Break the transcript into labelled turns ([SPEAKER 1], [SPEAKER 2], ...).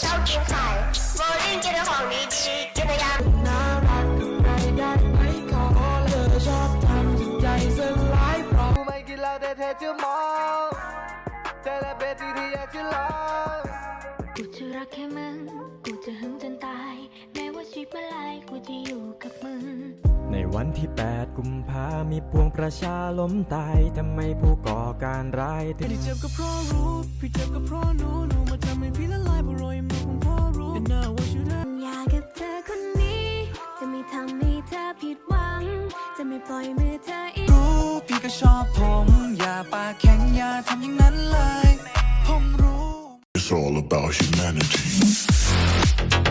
[SPEAKER 1] ชอบกินไข่โบลิ่งกินของดีๆกินยา
[SPEAKER 2] น่ารักกับใครได้ไหมขอเธอชอบทำจิตใจสลายเพราะ
[SPEAKER 3] กูไม่กินเหล้าแต่เธอจะมองเธอและเป็นที่อยากจะลอง
[SPEAKER 4] กูจะรักแค่มึงกูจะหึงจนตายแม้ว่าชีวิตเมื่อไรกูจะอยู่กับมึง
[SPEAKER 5] ในวันที่8 กุมภามีปวงประชาล้มตายทำไมผู้ก่อการร้ายถึง
[SPEAKER 2] พี่เจ็บก็เพราะรู้พี่เจ็บก็เพราะหนูมาทำให้พี่ละลายเพราะรอยมือของพ่อรู้ And now I want you to
[SPEAKER 4] อยากกับเธอคนนี้จะไม่ทำให้เธอผิดหวังจะไม่ปล่อยมือเธออีก
[SPEAKER 2] รู้พี่ก็ชอบผมอย่าปากแข็งอย่าทำอย่างนั้นเลยผมรู้
[SPEAKER 6] It's all about humanity.